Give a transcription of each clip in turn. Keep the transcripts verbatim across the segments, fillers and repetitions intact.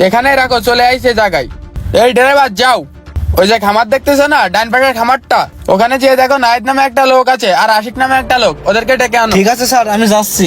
এখানে রাখো, চলে আইছে জায়গায়। এই ড্রাইভার যাও, ওই যে খামার দেখতেছো না ডান পাশের খামারটা, ওখানে যেয়ে দেখো নাহিদ নামে একটা লোক আছে আর আশিক নামে একটা লোক, ওদেরকে ডেকে আনো। ঠিক আছে স্যার, আমি যাচ্ছি।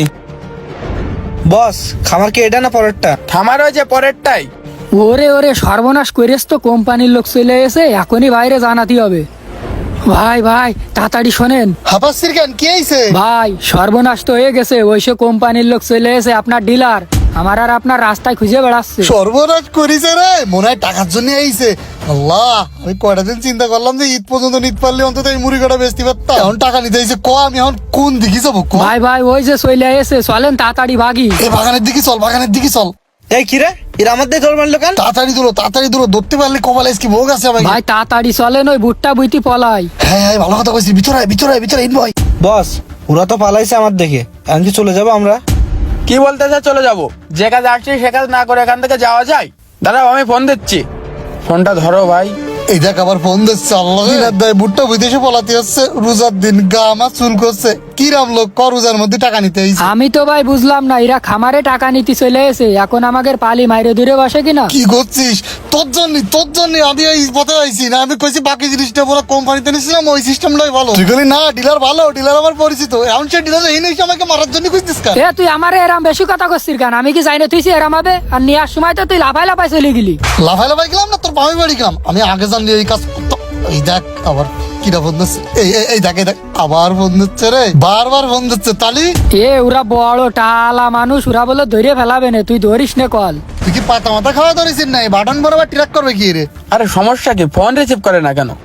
বস, খামার কি এটা না পরেরটা? খামার ওই যে পরেরটাই। ওরে ওরে সর্বনাশ করেছ তো, কোম্পানির লোক চলে এসে এখনই বাইরে জানাতে হবে। ভাই ভাই তাড়াতাড়ি শোনেন হাফাসির কেন কি হইছে? ভাই, সর্বনাশ তো হয়ে গেছে। ওই সে কোম্পানির লোক চলে এসে আপনার ডিলার আমার আর আপনার রাস্তায় খুঁজে বেড়াচ্ছে। সর্বনাশ করিছে রে, মনে হয় টাকার জন্য আইছে। আল্লাহ, আমি কয়টা দিন চিন্তা করলাম যে ঈদ পর্যন্ত নিতে পারলে অন্তত এই মুড়ি কটা বেচতে পারতাম। এখন টাকা নিতে আইছে, ক আমি এখন কোন দিকে যাবো? ক ভাই ভাই ওই যে চলে এসে, চলেন তাড়াতাড়ি ভাগি। এই বাগানের দিকে চল, বাগানের দিকে চল। এই কি রে, এরা আমার দিয়ে জল মারলো কেন? তাড়াতাড়ি দূর, তাড়াতাড়ি দূর, ধরতে পারলে কপালে কি ভোগ আছে আমাকে। ভাই তাড়াতাড়ি চলেন, ওই বুটটা বুইতি পলাই। হ্যাঁ হ্যাঁ, ভালো কথা কইছিস। ভিতরে আয়, ভিতরে আয়, ভিতরে ইন ভাই। বস, ওরা তো পালাইছে আমার দেখে। এখন কি চলে যাবো আমরা? কি বলতেছে চলে যাবো? যে কাজ আসছি সে কাজ না করে এখান থেকে যাওয়া যায়? দাঁড়াও, আমি ফোন দিচ্ছি। ফোনটা ধরো ভাই। এই দেখ আবার ফোন দিচ্ছে। আল্লাহ দায় বুটটা বিদেশে পলাতে হচ্ছে, রোজার দিন গা আমার চুল করছে। কি রাম লোক ক রোজার মধ্যে টাকা নিতে আইছে। আমি তো ভাই বুঝলাম না, এরা খামারে টাকা নিতে চলে এসে এখন আমাদের পালি মাইরে দূরে বসে কিনা। কি করছিস? তোর জন্য তোর জন্য আমি এই পথে আইছি না। আমি কইছি বাকি জিনিসটা পুরো কোম্পানিতে নিছিলাম, ওই সিস্টেমটাই ভালো। তুই বলি না ডিলার ভালো, ডিলার আমার পরিচিত। এখন সে ডিলার এই নিয়ে আমাকে মারার জন্য কইছিস কেন? এ তুই আমারে এরাম বেশি কথা করছিস কেন? আমি কি জানি তুই এরাম হবে? আর নেওয়ার সময় তো তুই লাফাই লাফাই চলে গেলি। লাফাই লাফাই গেলাম না, তোর বামি বাড়ি গেলাম। আমি আগে জানলি এই কাজ করতাম। এই দেখ আবার কিরা ফোন দিচ্ছে। এই এই- এই দেখ এই দেখ আবার ফোন দিচ্ছে রে, বারবার ফোন দিচ্ছে। তালি এ ওরা বড় টালা মানুষ, ওরা বলে ধরে ফেলাবে না, তুই ধরিস না কল। তুই কি পাতা মাথা খাওয়া ধরেছিস না? বাটন বরাবর ট্র্যাক করবে কি রে? আরে সমস্যা কি? ফোন রিসিভ করে না কেন?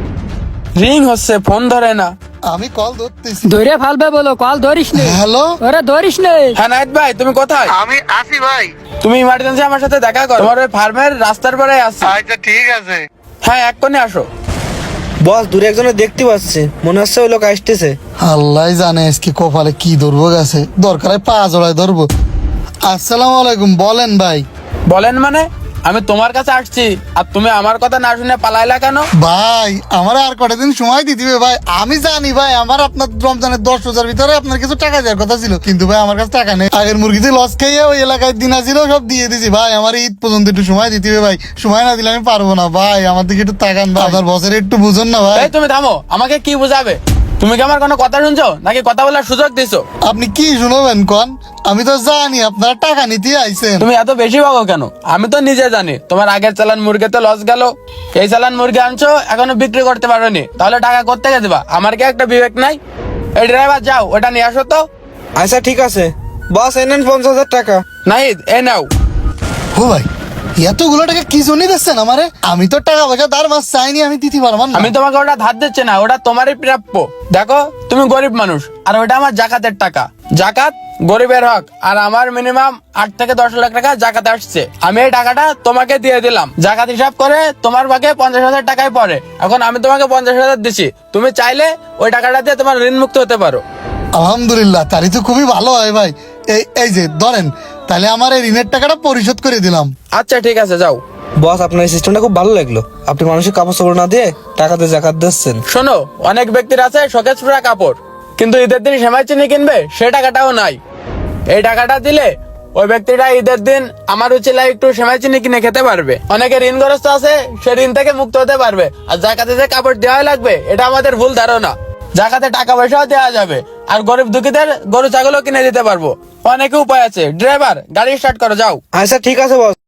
রিং হচ্ছে, ফোন ধরে না। আমি কল ধরতেছি। ধরে ফেলবে বলো, কল ধরিস নে। হ্যালো, ওরা ধরিস নে। হ্যাঁ নাহিদ ভাই, তুমি কোথায়? আমি আসি ভাই। তুমি ইমার্জেন্সি আমার সাথে দেখা করো, তোমার ওই ফার্মের রাস্তার পরে আছি। আচ্ছা ঠিক আছে। হ্যাঁ এক্ষুনি আসো। বস, দূরে একজনে দেখতে পাচ্ছি, মনে হচ্ছে ওই লোক আসতেছে। আল্লাহ জানে আজকে কপালে কি ধরবো গেছে। দরকার হয় পা জড়ায় ধরবো। আসসালামু আলাইকুম, বলেন ভাই। বলেন মানে? আমি তোমার কাছে আসছি আর তুমি আমার কথা না শুনে পালাইলা কেন? ভাই আমার আর কটা দিন সময় দিতে হবে ভাই। আমি জানি ভাই আমার আপনার রমজানের দশ রোজার ভিতরে আপনার কিছু টাকা দেওয়ার কথা ছিল, কিন্তু ভাই আমার কাছে টাকা নেই। আগের মুরগিতে লস খাইয়ে ওই এলাকায় দিন ছিল সব দিয়ে দিছি ভাই। আমার ঈদ পর্যন্ত একটু সময় দিতে হবে ভাই। সময় না দিলে আমি পারবো না ভাই। আমার দিকে একটু তাকান ভাই, আপনার বসের একটু বুঝুন না ভাই। এই তুমি থামো, আমাকে কি বুঝাবে? তুমি কি আমার কোনো কথা শুনছো নাকি কথা বলার সুযোগ দিছো? আপনি কি শুনবেন কন? আমি তো জানি আপনারা টাকা নিতে আইছেন। তুমি এত বেশি ভাগো কেন? আমি তো নিজে জানি তোমার আগের চালান মুরগিতে লস গেল। এই চালান মুরগি আনছো, এখনো বিক্রি করতে পারোনি, তাহলে টাকা কোত্থেকে দিবা? আমার কি একটা বিবেক নাই? এই ড্রাইভার যাও, ওটা নিয়ে আসো তো। আচ্ছা ঠিক আছে বস, এই নেন পঞ্চাশ হাজার টাকা। নাহিদ এই নাও। ও ভাই, এতগুলো টাকা কি জন্য দিচ্ছেন আমারে? আমি তো টাকা পয়সা তার মাস চাইনি, আমি দিতে পারবো না। আমি তোমাকে ওটা ধার দিচ্ছি না, ওটা তোমারই প্রাপ্য। দেখো তুমি গরিব মানুষ, আর ওটা আমার জাকাতের টাকা। জাকাত গরিবের হক, আর আমার মিনিমাম আট থেকে দশ লাখ টাকা জাকাত আসছে। আমি এই টাকাটা তোমাকে দিয়ে দিলাম, জাকাত হিসাব করে তোমার ভাগে পঞ্চাশ হাজার টাকায় পড়ে। এখন আমি তোমাকে পঞ্চাশ হাজার দিচ্ছি, তুমি চাইলে ওই টাকাটা দিয়ে তোমার ঋণ মুক্ত হতে পারো। আলহামদুলিল্লাহ, তারই তো খুবই ভালো হয় ভাই। এই এই যে ধরেন, তাহলে আমার এই ঋণের টাকাটা পরিশোধ করে দিলাম। আচ্ছা ঠিক আছে, যাও। বস, আপনার এই সিস্টেমটা খুব ভালো লাগলো। আপনি মানুষের কাপড় চোপড় না দিয়ে টাকাতে জাকাত দিচ্ছেন। শোনো, অনেক ব্যক্তির আছে শোকেস পুরা কাপড়, কিন্তু ঈদের দিন সেমাই চিনি কিনবে সে টাকাটাও নাই। এই টাকাটা দিলে ওই ব্যক্তিটা ঈদের দিন আমার উচিলায় একটু সেমাই চিনি কিনে খেতে পারবে। অনেকে ঋণগ্রস্ত আছে, সে ঋণ থেকে মুক্ত হতে পারবে। আর জাকাতে যে কাপড় দেওয়া লাগবে এটা আমাদের ভুল ধারণা। জাকাতে টাকা পয়সাও দেওয়া যাবে, আর গরিব দুঃখীদের গরু ছাগলও কিনে দিতে পারবো। অনেক উপায় আছে। ড্রাইভার গাড়ি স্টার্ট করো, যাও। আচ্ছা ঠিক আছে বস।